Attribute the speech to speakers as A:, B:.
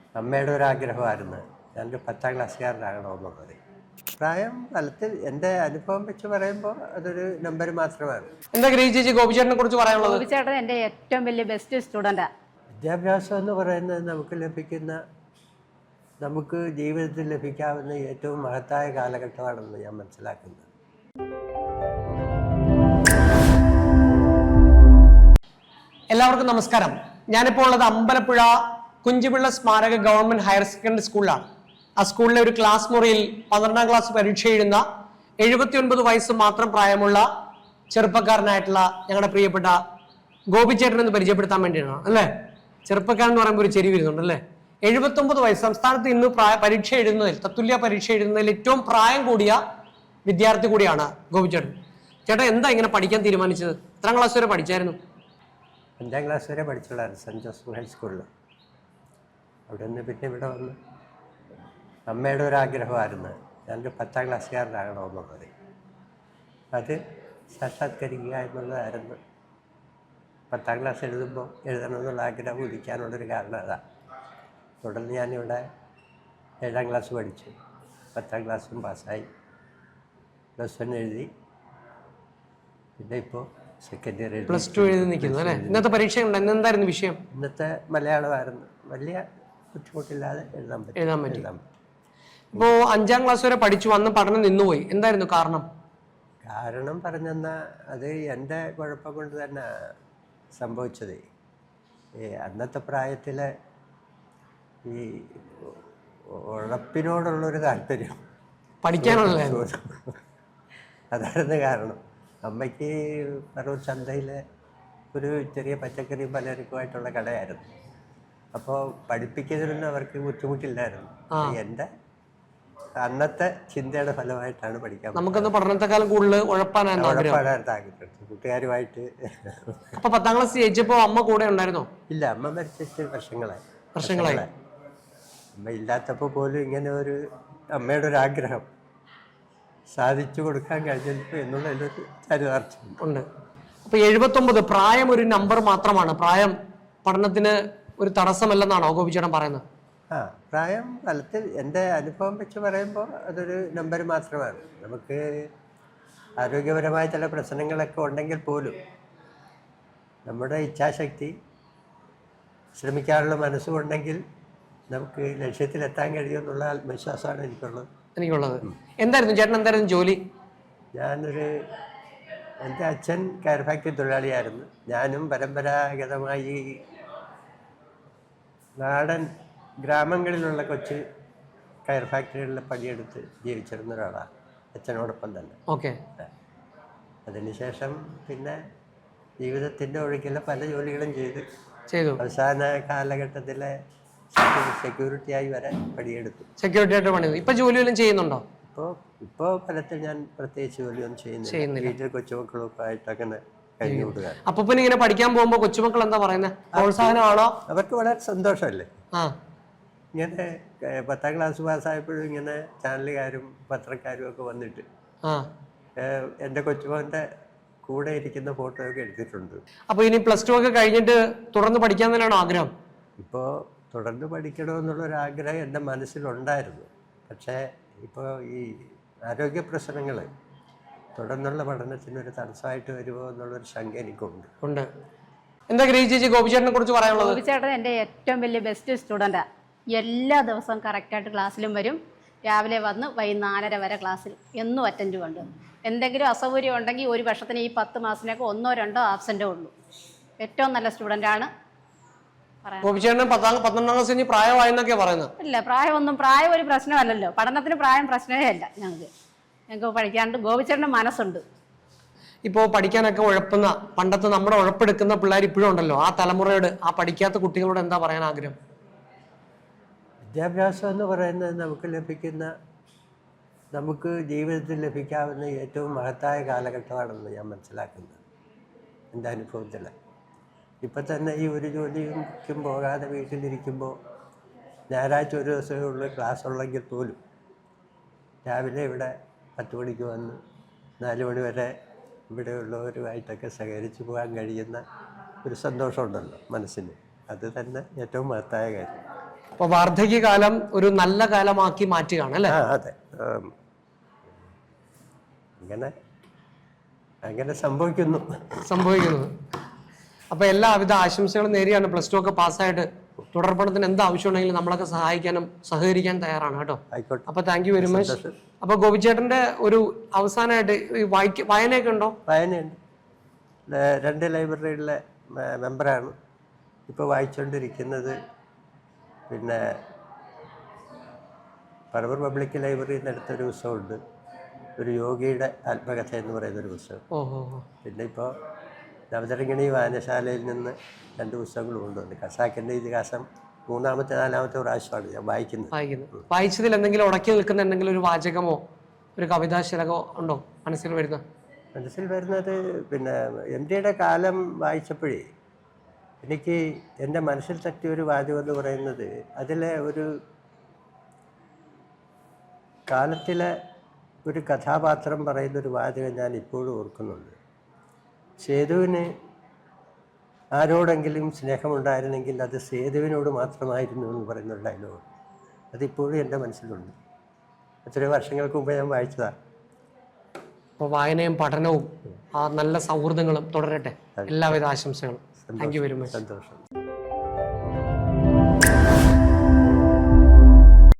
A: അമ്മയുടെ ഒരാഗ്രഹമായിരുന്നു ഞാനൊരു 10ാം ക്ലാസ്സുകാരനാകണമെന്നുള്ളത്. പ്രായം ഫലത്തിൽ എൻ്റെ അനുഭവം വെച്ച് പറയുമ്പോൾ അതൊരു നമ്പർ മാത്രമാണ്.
B: എന്താ ഗ്രേസ് ചേച്ചി ഗോപിച്ചേട്ടനെ കുറിച്ച് പറയാനുള്ളത്?
C: ഗോപിച്ചേട്ടൻ എൻ്റെ ഏറ്റവും വലിയ ബെസ്റ്റ് സ്റ്റുഡൻറ്റാണ്.
A: വിദ്യാഭ്യാസം എന്ന് പറയുന്നത് നമുക്ക് ജീവിതത്തിൽ ലഭിക്കാവുന്ന ഏറ്റവും മഹത്തായ കാലഘട്ടമാണെന്ന് ഞാൻ മനസ്സിലാക്കുന്നത്.
B: എല്ലാവർക്കും നമസ്കാരം. ഞാനിപ്പോൾ ഉള്ളത് അമ്പലപ്പുഴ കുഞ്ചിപിള്ള സ്മാരക ഗവൺമെന്റ് ഹയർ സെക്കൻഡറി സ്കൂളിലാണ്. ആ സ്കൂളിലെ ഒരു ക്ലാസ് മുറിയിൽ 12ാം ക്ലാസ് പരീക്ഷ എഴുതുന്ന 79 വയസ്സ് മാത്രം പ്രായമുള്ള ചെറുപ്പക്കാരനായിട്ടുള്ള ഞങ്ങളുടെ പ്രിയപ്പെട്ട ഗോപിച്ചേട്ടൻ എന്ന് പരിചയപ്പെടുത്താൻ വേണ്ടിയാണ് അല്ലേ. ചെറുപ്പക്കാരൻ എന്ന് പറയുമ്പോൾ ഒരു ചെരി വരുന്നുണ്ട് അല്ലേ. 79 വയസ്സ്. സംസ്ഥാനത്ത് ഇന്ന് പരീക്ഷ എഴുതുന്നതിൽ, തത്തുല്യ പരീക്ഷ എഴുതുന്നതിൽ ഏറ്റവും പ്രായം കൂടിയ വിദ്യാർത്ഥി കൂടിയാണ് ഗോപിച്ചേട്ടൻ. ചേട്ടാ എന്താ ഇങ്ങനെ പഠിക്കാൻ തീരുമാനിച്ചത്? എത്രാം ക്ലാസ് വരെ പഠിച്ചായിരുന്നു?
A: 5ാം ക്ലാസ് വരെ പഠിച്ചുള്ളായിരുന്നു സെൻറ്റ് ജോസഫ് ഹൈസ്കൂളിൽ. അവിടെ നിന്ന് പിന്നെ ഇവിടെ വന്ന് അമ്മയുടെ ഒരാഗ്രഹമായിരുന്നു ഞാനൊരു 10ാം ക്ലാസ്സുകാരനാകണമെന്നുള്ളത്. അത് സാക്ഷാത്കരിക്കുക എന്നുള്ളതായിരുന്നു 10ാം ക്ലാസ് എഴുതണമെന്നുള്ള ആഗ്രഹം ഉദിക്കാനുള്ളൊരു കാരണം അതാണ്. തുടർന്ന് ഞാനിവിടെ 7ാം ക്ലാസ് പഠിച്ചു, 10ാം ക്ലാസ്സും പാസ്സായി, +1 എഴുതി, പിന്നെ ഇപ്പോൾ സെക്കൻഡ് ഇയർ
B: +2 എഴുതി നിൽക്കുന്നു അല്ലേ. ഇന്നത്തെ പരീക്ഷ എന്തായിരുന്നു വിഷയം?
A: ഇന്നത്തെ മലയാളമായിരുന്നു. വലിയ ബുദ്ധിമുട്ടില്ലാതെ എഴുതാൻ പറ്റും.
B: ഇപ്പോൾ 5ാം ക്ലാസ് വരെ പഠിച്ചു, അന്ന് പഠനം നിന്നുപോയി. എന്തായിരുന്നു കാരണം?
A: കാരണം പറഞ്ഞെന്നാൽ അത് എൻ്റെ കുഴപ്പം കൊണ്ട് തന്നെ സംഭവിച്ചത്. അന്നത്തെ പ്രായത്തിൽ ഈ ഉഴപ്പിനോടുള്ളൊരു താല്പര്യം,
B: പഠിക്കാനുള്ള
A: അതായിരുന്നു കാരണം. അമ്മയ്ക്ക് പറവൂർ ചന്തയിൽ ഒരു ചെറിയ പച്ചക്കറിയും പലചരക്കുമായിട്ടുള്ള കടയായിരുന്നു. അപ്പോൾ പഠിപ്പിക്കുന്നതിനൊന്നും അവർക്ക് ബുദ്ധിമുട്ടില്ലായിരുന്നു. എൻ്റെ അന്നത്തെ ചിന്തയുടെ ഫലമായിട്ടാണ് പഠിക്കാൻ.
B: നമുക്കൊന്ന് പഠനത്തെക്കാലം കൂടുതൽ ഉഴപ്പാനായിരുന്നു
A: ആഗ്രഹം കൂട്ടുകാരുമായിട്ട്.
B: അപ്പോൾ 10ാം ക്ലാസ് ജയിച്ചപ്പോൾ അമ്മ കൂടെ ഉണ്ടായിരുന്നോ?
A: ഇല്ല, അമ്മ മരിച്ചിട്ട് വർഷങ്ങളായി. അമ്മ ഇല്ലാത്തപ്പോൾ പോലും ഇങ്ങനെ ഒരു അമ്മയുടെ ഒരു ആഗ്രഹം സാധിച്ചു കൊടുക്കാൻ കഴിഞ്ഞപ്പോൾ എന്നുള്ളൊരു ചരിതാർത്ഥ്യം
B: ഉണ്ട്. അപ്പോൾ 79 പ്രായം ഒരു നമ്പർ മാത്രമാണ്, പ്രായം പഠനത്തിന് ഒരു തടസ്സമല്ലെന്നാണോ ഗോപിച്ചേട്ടൻ പറയുന്നത്?
A: പ്രായം ഫലത്തിൽ എൻ്റെ അനുഭവം വെച്ച് പറയുമ്പോൾ അതൊരു നമ്പർ മാത്രമാണ്. നമുക്ക് ആരോഗ്യപരമായ ചില പ്രശ്നങ്ങളൊക്കെ ഉണ്ടെങ്കിൽ പോലും നമ്മുടെ ഇച്ഛാശക്തി, ശ്രമിക്കാനുള്ള മനസ്സുകൊണ്ടെങ്കിൽ നമുക്ക് ലക്ഷ്യത്തിലെത്താൻ കഴിയുമെന്നുള്ള ആത്മവിശ്വാസമാണ് എനിക്കുള്ളത്.
B: എന്തായിരുന്നു ചേട്ടൻ എന്തായിരുന്നു ജോലി?
A: എൻ്റെ അച്ഛൻ കയർ ഫാക്ടറി തൊഴിലാളിയായിരുന്നു. ഞാനും പരമ്പരാഗതമായി നാടൻ ഗ്രാമങ്ങളിലുള്ള കൊച്ച് കയർ ഫാക്ടറികളിൽ പണിയെടുത്ത് ജീവിച്ചിരുന്ന ഒരാളാണ് അച്ഛനോടൊപ്പം തന്നെ.
B: ഓക്കെ.
A: അതിനുശേഷം പിന്നെ ജീവിതത്തിൻ്റെ ഒഴുക്കിലെ പല ജോലികളും ചെയ്തു. അവസാന കാലഘട്ടത്തിലെ സെക്യൂരിറ്റിയായി വരെ പണിയെടുത്തു.
B: സെക്യൂരിറ്റി ആയിട്ട് പണി. ഇപ്പൊ ജോലി വല്ലതും ചെയ്യുന്നുണ്ടോ?
A: ഇപ്പോൾ ഫലത്തിൽ ഞാൻ പ്രത്യേകിച്ച് ജോലിയൊന്നും ചെയ്യുന്നില്ല. വീട്ടിൽ കൊച്ചുമക്കളൊക്കെ ആയിട്ട് അങ്ങനെ കഴിഞ്ഞു കൂടുക.
B: അപ്പൊ പിന്നെ ഇങ്ങനെ പഠിക്കാൻ പോകുമ്പോ കൊച്ചുമക്കൾ എന്താ പറയുന്നത്? പ്രോത്സാഹനമാണോ?
A: അവർക്ക് വളരെ സന്തോഷമല്ലേ. ഇങ്ങനെ 10ാം ക്ലാസ് പാസ്സായപ്പോഴും ഇങ്ങനെ ചാനലുകാരും പത്രക്കാരും ഒക്കെ വന്നിട്ട് എൻ്റെ കൊച്ചുമോൻ്റെ കൂടെ ഇരിക്കുന്ന ഫോട്ടോ ഒക്കെ എടുത്തിട്ടുണ്ട്.
B: അപ്പൊ ഇനി +2 ഒക്കെ കഴിഞ്ഞിട്ട് തുടർന്ന് പഠിക്കാൻ തന്നെയാണോ ആഗ്രഹം?
A: ഇപ്പോൾ തുടർന്ന് പഠിക്കണമെന്നുള്ളൊരാഗ്രഹം എൻ്റെ മനസ്സിലുണ്ടായിരുന്നു. പക്ഷേ ഇപ്പോൾ ഈ ആരോഗ്യ പ്രശ്നങ്ങൾ തുടർന്നുള്ള പഠനത്തിനൊരു തടസ്സമായിട്ട് വരുമോ എന്നുള്ളൊരു ശങ്ക എനിക്കുണ്ട്.
B: എന്താ ഗ്രേസ് ചേച്ചി ഗോപിച്ചേട്ടനെ കുറിച്ച് പറയാനുള്ളത്?
C: ഗോപിച്ചേട്ടൻ എൻ്റെ ഏറ്റവും വലിയ ബെസ്റ്റ് സ്റ്റുഡൻറ്റാണ്. എല്ലാ ദിവസവും കറക്റ്റായിട്ട് ക്ലാസ്സിലും വരും. രാവിലെ വന്ന് വൈകുന്നേരം 4:30 വരെ ക്ലാസ്സിൽ എന്നും അറ്റൻഡ് കൊണ്ട്. എന്തെങ്കിലും അസൗകര്യം ഉണ്ടെങ്കിൽ ഒരു വർഷത്തിന് ഈ 10 മാസത്തിനൊക്കെ 1 or 2 ആബ്സെൻ്റേ ഉള്ളൂ. ഏറ്റവും നല്ല സ്റ്റുഡൻ്റാണ്.
B: ഗോപിച്ചേട്ടൻ 12ാം ക്ലാസ് കഴിഞ്ഞ് പ്രായമായെന്നൊക്കെ പറയുന്നത്?
C: ഇല്ല, പ്രായം ഒരു പ്രശ്നമല്ലല്ലോ. പഠനത്തിന് പ്രായം പ്രശ്നമേ അല്ല. ഞങ്ങൾക്ക് പഠിക്കാണ്ട് ഗോപിച്ചേട്ടൻ്റെ മനസ്സുണ്ട്.
B: ഇപ്പോൾ പഠിക്കാനൊക്കെ ഉഴപ്പുന്ന പണ്ടത്തെ നമ്മുടെ ഉഴപ്പെടുക്കുന്ന പിള്ളേർ ഇപ്പോഴും ഉണ്ടല്ലോ. ആ തലമുറയോട്, ആ പഠിക്കാത്ത കുട്ടികളോട് എന്താ പറയാൻ ആഗ്രഹം?
A: വിദ്യാഭ്യാസം എന്ന് പറയുന്നത് നമുക്ക് ജീവിതത്തിൽ ലഭിക്കാവുന്ന ഏറ്റവും മഹത്തായ കാലഘട്ടമാണെന്ന് ഞാൻ മനസ്സിലാക്കുന്നത് എൻ്റെ അനുഭവത്തിൽ. ഇപ്പം തന്നെ ഈ ഒരു ജോലിക്കും പോകാതെ വീട്ടിലിരിക്കുമ്പോൾ ഞായറാഴ്ച ഒരു ദിവസമേ ഉള്ളൂ ക്ലാസ് ഉള്ളെങ്കിൽ പോലും രാവിലെ ഇവിടെ 10 മണിക്ക് വന്ന് 4 മണി വരെ ഇവിടെയുള്ളവരുമായിട്ടൊക്കെ സഹകരിച്ച് പോകാൻ കഴിയുന്ന ഒരു സന്തോഷമുണ്ടല്ലോ മനസ്സിന്. അത് തന്നെ ഏറ്റവും മഹത്തായ കാര്യം.
B: അപ്പോൾ വാർദ്ധക്യകാലം ഒരു നല്ല കാലമാക്കി മാറ്റുകയാണ് അല്ലേ?
A: അതെ. അങ്ങനെ സംഭവിക്കുന്നു.
B: അപ്പോൾ എല്ലാവിധ ആശംസകളും നേരിയാണ്. +2 ഒക്കെ പാസ്സായിട്ട് തുടർ പഠനത്തിന് എന്ത് ആവശ്യമുണ്ടെങ്കിലും നമ്മളൊക്കെ സഹായിക്കാനും സഹകരിക്കാൻ തയ്യാറാണ് കേട്ടോ.
A: ആയിക്കോട്ടെ.
B: അപ്പോൾ താങ്ക് യു വെരി മച്ച്. അപ്പോൾ ഗോപിച്ചേട്ടൻ്റെ ഒരു അവസാനമായിട്ട് വായനയൊക്കെ ഉണ്ടോ?
A: വായനയുണ്ട്. 2 ലൈബ്രറിയിലെ മെമ്പറാണ്. ഇപ്പോൾ വായിച്ചുകൊണ്ടിരിക്കുന്നത് പിന്നെ പറവൂർ പബ്ലിക് ലൈബ്രറിയിൽ നിന്ന് എടുത്തൊരു പുസ്തകമുണ്ട്, ഒരു യോഗിയുടെ ആത്മകഥ എന്ന് പറയുന്നൊരു പുസ്തകം. പിന്നെ ഇപ്പോൾ നവതരംഗിണി വായനശാലയിൽ നിന്ന് 2 പുസ്തകങ്ങളും കൊണ്ടുവന്നു. ഖസാക്കിൻ്റെ ഇതിഹാസം 3-ാമത്തെ 4-ാമത്തെ പ്രാവശ്യമാണ് ഞാൻ വായിക്കുന്നത്.
B: വായിച്ചതിൽ എന്തെങ്കിലും ഉടക്കി നിൽക്കുന്ന എന്തെങ്കിലും ഒരു വാചകമോ ഒരു കവിതാശലകമോ ഉണ്ടോ മനസ്സിൽ വരുന്നത്?
A: പിന്നെ MTയുടെ കാലം വായിച്ചപ്പോഴേ എനിക്ക് എൻ്റെ മനസ്സിൽ തട്ടിയ ഒരു വാചകം എന്ന് പറയുന്നത്, അതിലെ ഒരു കാലത്തിലെ ഒരു കഥാപാത്രം പറയുന്നൊരു വാചകം ഞാൻ ഇപ്പോഴും ഓർക്കുന്നുണ്ട്. സേതുവിന് ആരോടെങ്കിലും സ്നേഹമുണ്ടായിരുന്നെങ്കിൽ അത് സേതുവിനോട് മാത്രമായിരുന്നു എന്ന് പറയുന്നൊരു ഡയലോഗ്. അതിപ്പോഴും എൻ്റെ മനസ്സിലുണ്ട്. എത്രയോ വർഷങ്ങൾക്ക് മുമ്പ് ഞാൻ വായിച്ചതാണ്.
B: അപ്പോൾ വായനയും പഠനവും ആ നല്ല സൗഹൃദങ്ങളും തുടരട്ടെ. എല്ലാവിധ ആശംസകളും. Thank you very much.
A: സന്തോഷം.